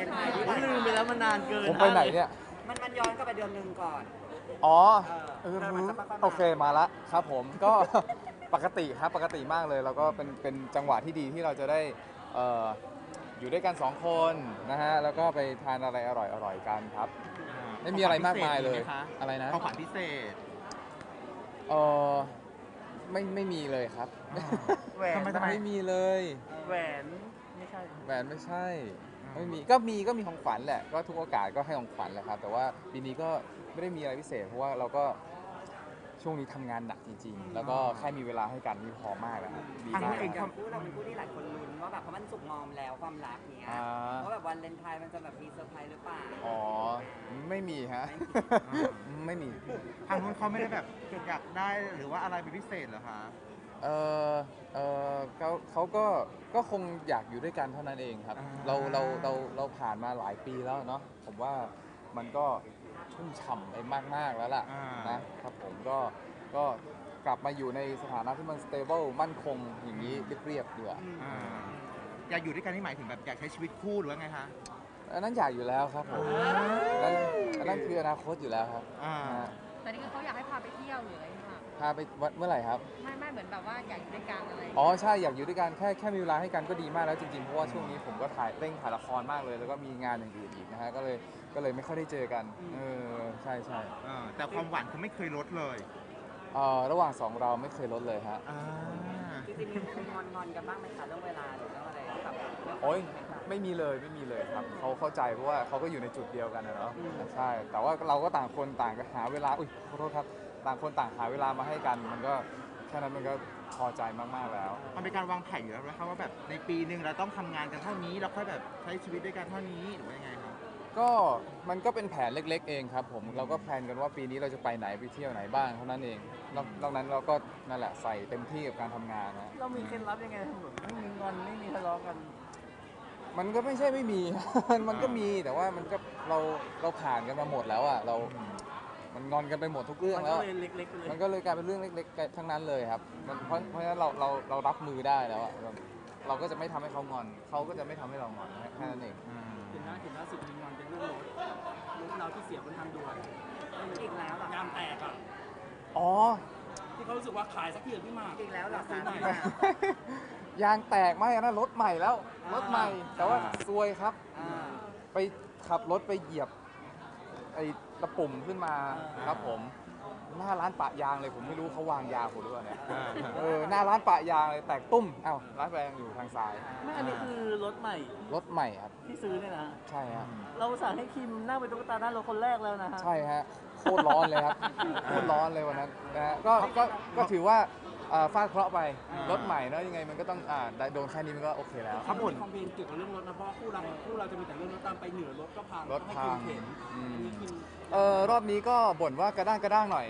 เลนไทน์ที่ลืมไปแล้วมันนานเกินผมไปไหนเนี่ยมันย้อนกลับไปเดือนหนึ่งก่อนอ๋อเออมันจะค่อยๆมาโอเคมาละครับผมก็ ปกติครับปกติมากเลยแล้วก็เป็นจังหวะที่ดีที่เราจะได้เอ่ออยู่ด้วยกัน2 คนนะฮะแล้วก็ไปทานอะไรอร่อยกันครับ ไม่มีอะไรมากมายเลยอะไรนะของขวัญพิเศษเออไม่มีเลยครับแหวนทำไมไม่มีเลยแหวนไม่ใช่แหวนไม่ใช่ไม่มีก็มีของขวัญแหละก็ทุกโอกาสก็ให้ของขวัญแหละครับแต่ว่าปีนี้ก็ไม่ได้มีอะไรพิเศษเพราะว่าเราก็ช่วงนี้ทำงานหนักจริงๆ แล้วก็แค่มีเวลาให้กันนี่พอมากแล้วครับดีจมากริงๆคกัรับบ คู่เราเป็นคู่ที่หลายคนลุ้นว่าแบบเพราะมันสุกงอมแล้วความรักเนี้ยอ่าว่าแบบวันเลนไทน์มันจะแบบมีเซอร์ไพรส์หรือเปล่าอ๋อไม่มีฮะ ไม่มีทางนู้นเขาไม่ได้แบบอยากได้หรือว่าอะไรเป็นพิเศษเหรอคะเออเขาก็คงอยากอยู่ด้วยกันเท่านั้นเองครับอ่าเราผ่านมาหลายปีแล้วเนาะผมว่ามันก็ชุ่มฉ่ำไปมากๆแล้วล่ะนะครับผมก็กลับมาอยู่ในสถานะที่มัน stable มั่นคงอย่างนี้เรียบๆดีกว่าอ่าอยากอยู่ด้วยกันนี่หมายถึงแบบอยากใช้ชีวิตคู่หรือว่าไงคะอันนั้นอยากอยู่แล้วครับผมอันนั้นคืออนาคตอยู่แล้วครับอ่านะฮะแต่นี่คือเขาอยากให้พาไปเที่ยวหรืออะไรค่ะพาไปเมื่อไหร่ครับไม่เหมือนแบบว่าอยากอยู่ด้วยกันอะไรอ๋อใช่อยากอยู่ด้วยกันแค่มีเวลาให้กันก็ดีมากแล้วจริงๆเพราะว่าช่วงนี้ผมก็เร่งถ่ายละครมากเลย แล้วก็มีงานอย่างอื่นอีกนะฮะก็เลยไม่ค่อยได้เจอกันใช่แต่ความหวานคือไม่เคยลดเลยระหว่างสองเราไม่เคยลดเลยฮะอ่าจริงๆมีงอนกันบ้างไหมคะเรื่องเวลาหรือเรื่องอะไรที่แบบโอ้ยไม่มีเลยครับเขาเข้าใจเพราะว่าเขาก็อยู่ในจุดเดียวกันนะเนาะใช่แต่ว่าเราก็ต่างคนต่างหาเวลาขอโทษครับต่างคนต่างหาเวลามาให้กันมันก็แค่นั้นมันก็พอใจมากๆแล้วมันเป็นการวางแผนอยู่แล้วนะครับว่าแบบในปีหนึ่งเราต้องทำงานกันเท่านี้แล้วค่อยแบบใช้ชีวิตด้วยกันเท่านี้หรือว่ายังไงครับก็มันก็เป็นแผนเล็กๆเองครับผมเราก็แพลนกันว่าปีนี้เราจะไปไหนไปเที่ยวไหนบ้างเท่านั้นเองนอกนั้นเราก็นั่นแหละใส่เต็มที่กับการทำงานนะเรามีเคล็ดลับยังไงแบบไม่มีงอนไม่มีทะเลาะกันมันก็ไม่ใช่ไม่มี มันก็มีแต่ว่ามันก็เราผ่านกันมาหมดแล้วอ่ะมันงอนกันไปหมดทุกเรื่องมันแล้ก็วเลยเล็กๆไปเลยมันก็เลยกลายเป็นเรื่องเล็กๆทั้งนั้นเลยครับเพราะฉะนั้นเรารับมือได้แล้วอ่ะเราก็จะไม่ทำให้เขางอนเขาก็จะไม่ทำให้เรางอนแค่นั้นเองเห็นล่าสุดมีงอนเป็นเรื่องรถเราที่เสียบนทางด่วนอีกแล้วเหรอยางแตกอ่ะอ๋อที่เขารู้สึกว่าขายสักทีพี่หมากอีกแล้วเหรอซื้คะอหน่อยยางแตกไหมอันนั้นรถใหม่แล้วรถใหม่แต่ว่าซวยครับอ่าไปขับรถไปเหยียบไอ้ตะปุ่มขึ้นมาครับผมหน้าร้านปะยางเลยผมไม่รู้เขาวางยาผมหรือเปล่าเนี่ยหน้าร้านปะยางเลยแตกตุ้มอ้าวร้านแปลงอยู่ทางซ้ายไม่อันนี้คือรถใหม่รถใหม่ครับที่ซื้อเนี่ยนะใช่ฮะเราสั่งให้คิมนั่งเป็นตุ๊กตาหน้ารถคนแรกแล้วนะฮะใช่ฮะโคตรร้อนเลยครับโคตรร้อนเลยวันนั้นนะฮะก็ถือว่าฟาดเคราะห์ไปรถใหม่เนอะยังไงมันก็ต้องได้โดนแค่นี้มันก็โอเคแล้วเขาบ่นคอมเพลนเกี่ยวกับเรื่องรถนะเพราะว่าคู่เราจะมีแต่เรื่องรถตามไปเหนือรถก็พังรถให้พัคิงมเข็นอืมอันนี้คิมรอบนี้ก็บ่นว่ากระด้างหน่อย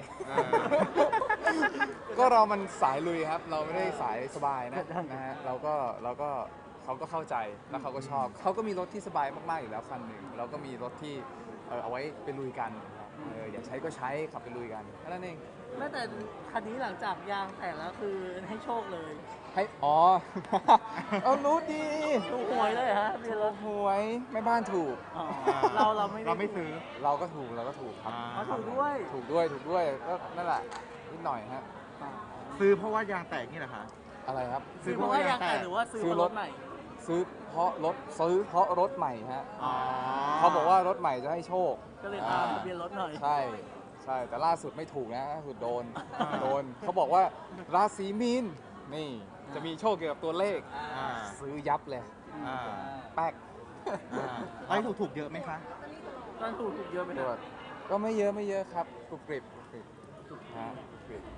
ก็เรามันสายลุยครับ เราไม่ได้สายสบายนะฮะเราก็เขาก็เข้าใจแล้วเขาก็ชอบเขาก็มีรถที่สบายมากๆอยู่แล้วคันหนึ่งเราก็มีรถที่เอาไว้ไปลุยกันอยากใช้ก็ใช้ขับไปลุยกันแค่นั้นเองแม้แต่คันนี้หลังจากยางแตกแล้วคือให้โชคเลยให้อ๋อ เอารู้ดีถูกหวยเลยฮะมีรถหวยแม่บ้านถูกอ๋อเราไม่เราไม่ซื้อเราก็ถูกครับเขาถูกด้วยถูกด้วยก็นั่นแหละนิดหน่อยฮะซื้อเพราะว่ายางแตกนี่เหรอคะอะไรครับซื้อเพราะว่ายางแตกหรือว่าซื้อเพราะรถใหม่ซื้อเพราะรถใหม่ฮะอ๋อเขาบอกว่ารถใหม่จะให้โชคก็เลยตามทะเบียนรถหน่อยใช่แต่ล่าสุดไม่ถูกนะล่าสุดโดนเขาบอกว่าราศีมีนนี่จะมีโชคเกี่ยวกับตัวเลขอ่าซื้อยับเลยอ่าแป๊กไอ้ถูกเยอะไหมคะตอนถูกเยอะไปตนะรวจก็ไม่เยอะครับกรุบกริบฮะกรุบกริบ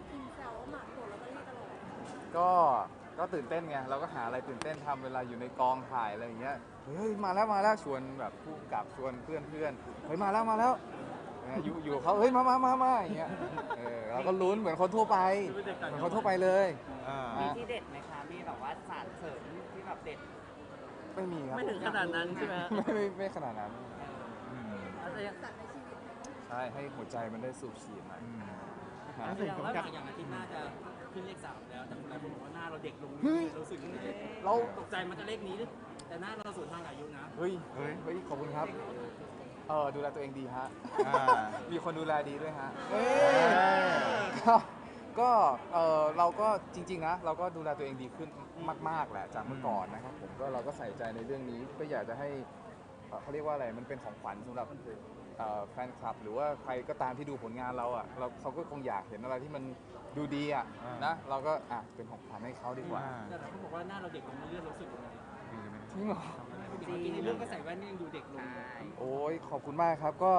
ก็ตื่นเต้นไงเราก็หาอะไรตื่นเต้นทำเวลาอยู่ในกองถ่ายอะไรอย่างเงี้ยเฮ้ยมาแล้วชวนแบบผู้กำกับชวนเพื่อนเฮ้ยมาแล้วอยู่เขาเฮ้ยมาอย่างเงี้ยเราก็ลุ้นเหมือนคนทั่วไปเหมือนคนทั่วไปเลยมีที่เด็ดไหมคะมีแบบว่าสารเสริมที่แบบเด็ดไม่มีครับไม่ถึงขนาดนั้นใช่ไหมฮะไม่ขนาดนั้นอาจจะยังใช่ให้หัวใจมันได้สูบฉีดหน่อยแล้วสิ่งที่อยากอย่างอาทิตย์หน้าจะขึ้นเลข3แล้วแต่คนหลายคนบอกว่าหน้าเราเด็กลงเฮ้ยรู้สึกยังไงเราตกใจมันจะเลขนี้หรือแต่หน้าเราสวนทางอายุนะเฮ้ยขอบคุณครับดูแลตัวเองดีฮะอ่ามีคนดูแลดีด้วยฮะเอ้ยก็เราก็จริงๆนะเราก็ดูแลตัวเองดีขึ้นมากๆแหละจากเมื่อก่อนนะครับผมก็เราก็ใส่ใจในเรื่องนี้ก็อยากจะให้เขาเรียกว่าอะไรมันเป็นของขวัญสำหรับแฟนคลับ หรือว่าใครก็ตามที่ดูผลงานเราอ่ะเขาก็คงอยากเห็นอะไรที่มันดูดีอ่ะนะเราก็เป็นของขวัญให้เขาดีกว่าแต่เขาบอกว่าหน้าเราเด็กลงเรื่อยๆรู้สึกยังไงจริงเหรอจริงในเรื่องก็ใส่แว่นนี่ยังดูเด็กลงโอ้ยขอบคุณมากครับก็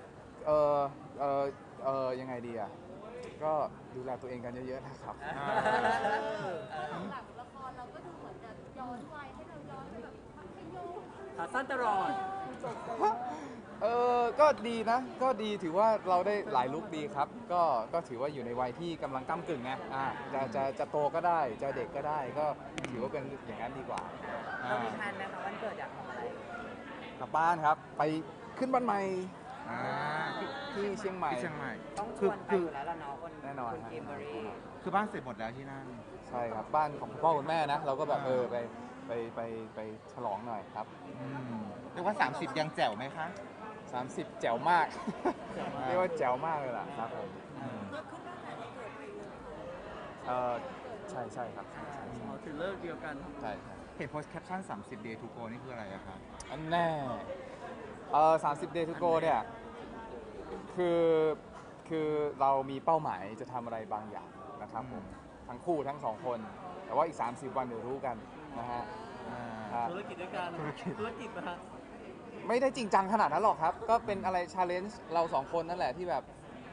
ยังไงดีอ่ะก็ดูแลตัวเองกันเยอะๆนะครับหลังละครเราก็ดูเหมือนจะย้อนวัยให้เราย้อนไปแบบมัธยมขาสั้นตลอดก็ดีนะ ก็ดีถือว่าเราได้หลายลุคดีครับ ก็ถือว่าอยู่ในวัยที่กำลังก้ำกึ่งไงจะโตก็ได้ จะเด็กก็ได้ ก็ถือว่าเป็นอย่างนั้นดีกว่าเรามีแพลนไหมคะวันเกิดอยากทำอะไรกลับบ้านครับ ไปขึ้นบ้านใหม่อ่าที่เชียงใหม่ที่เชียงใหม่ต้องชวนไปอยู่แล้วล่ะเนาะคนแน่นอนคุณฮะคิมเบอรี่คือบ้านเสร็จหมดแล้วที่นั่นใช่ครับ บ้านของคุณพ่อคุณแม่นะ เราก็แบบไปฉลองหน่อยครับเรียกว่า 30 ยังแจ๋วไหมคะ 30 แจ๋วมาก เรียกว่าแจ๋วมากเลยล่ะครับผมใช่ครับใช่ถือเลิกเดียวกันใช่เห็นโพสต์แคปชั่น 30 day to go นี่คืออะไรอะคะอันแน่30 day to go เนี่ยคือเรามีเป้าหมายจะทำอะไรบางอย่างนะครับผมทั้งคู่ทั้งสองคน แต่ว่าอีก 30 วันเดี๋ยวรู้กันนะฮะครับธุรกิจด้วยกันธุรกิจนะฮะไม่ได้จริงจังขนาดนั้นหรอกครับ ก็เป็นอะไรชาเลนจ์เราสองคนนั่นแหละที่แบบ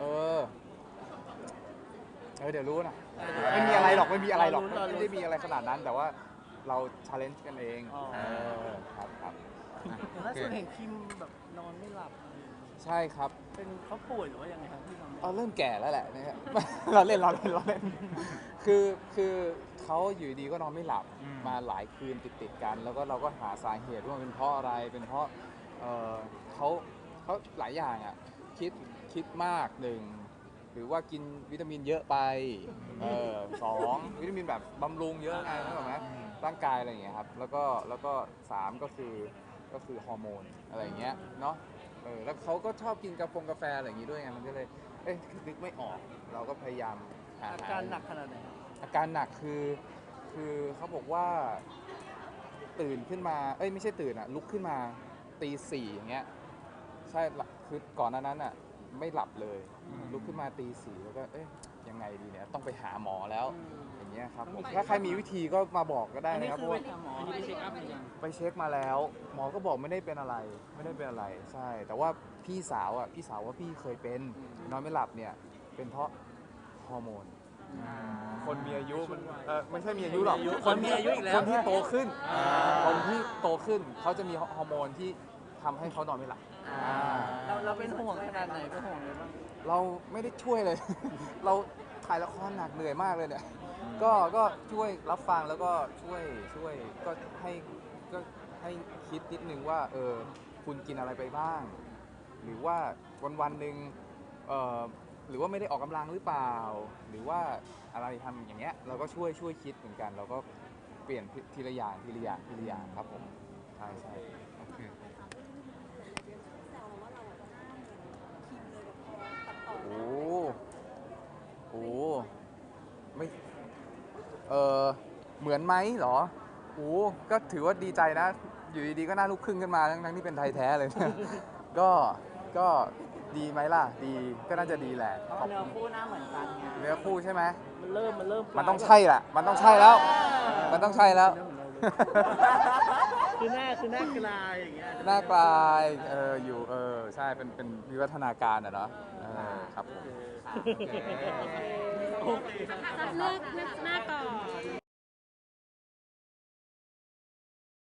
เดี๋ยวรู้นะไม่มีอะไรหรอกไม่ได้มีอะไรขนาดนั้น แต่ว่าเราชาเลนจ์กันเองครับล่าสุดเห็นคิมแบบนอนไม่หลับใช่ครับเป็นเขาป่วยหรือว่ายังไงครับที่นอนไม่หลับเริ่มแก่แล้วแหละนะครับ เราเล่นคือเขาอยู่ดีก็นอนไม่หลับมาหลายคืนติดกัน แล้วก็เราก็หาสาเหตุว่าเป็นเพราะอะไรเป็นเพราะเขาหลายอย่างอ่ะคิดมากหนึ่งหรือว่ากินวิตามินเยอะไปสองวิตามินแบบบำรุงเยอะไงนึกออกไหมร่างกายอะไรอย่างเงี้ยครับแล้วก็สามก็คือฮอร์โมนอะไรอย่างเงี้ยเนาะแล้วเขาก็ชอบกินกาแฟอะไรอย่างงี้ด้วยไงมันก็เลยนึกไม่ออกเราก็พยายามหาอาการหนักขนาดไหนครับอาการหนักคือเขาบอกว่าตื่นขึ้นมาไม่ใช่ตื่นลุกขึ้นมาตีสี่อย่างเงี้ยใช่คือก่อนหน้านั้นไม่หลับเลยลุกขึ้นมาตีสี่แล้วก็ยังไงดีเนี่ยต้องไปหาหมอแล้วอย่างเงี้ยครับผมถ้าใครมีวิธีก็มาบอกก็ได้นะครับเพราะว่าอันนี้ไปเช็คอัพหรือยังไปเช็คมาแล้วหมอก็บอกไม่ได้เป็นอะไรใช่แต่ว่าพี่สาวว่าพี่เคยเป็นนอนไม่หลับเนี่ยเป็นเพราะฮอร์โมนคนมีอายุมันไม่ใช่มีอายุหรอกคนมีอายุอีกแล้วคนที่โตขึ้นคนที่โตขึ้นเขาจะมีฮอร์โมนที่ทำให้เขานอนไม่หลับเราเป็นห่วงขนาดไหนเป็นห่วงอะไรบ้างเราไม่ได้ช่วยเลย เราถ่ายละครหนักเหนื่อยมากเลยเนี่ยก็ช่วยรับฟังแล้วก็ช่วยก็ให้คิดนิดนึงว่าคุณกินอะไรไปบ้าง หรือว่าวันหนึ่งหรือว่าไม่ได้ออกกำลังหรือเปล่า หรือว่าอะไรทำอย่างเงี้ยเราก็ช่วยคิดเหมือนกันเราก็เปลี่ยนทีละอย่างครับผมใช่โอเคโอ้ไม่เหมือนไหมเหรอก็ถือว่าดีใจนะ อยู่ดีๆก็หน้าลูกครึ่งขึ้นมาทั้งที่เป็นไทยแท้เลย ก็ดีไหมล่ะดีก็น่าจะดีแหละเพราะว่าเนื้อคู่หน้าเหมือนกันไงเนื้อคู่ใช่ไหมมันเริ่มมันต้องใช่แหละมันต้องใช่แล้ว มันต้องใช่แล้วคือหน้ากลายอย่างเงี้ยหน้ากลายอยู่ใช่เป็นวิวัฒนาการเนาะครับผมเลือกหน้าก่อน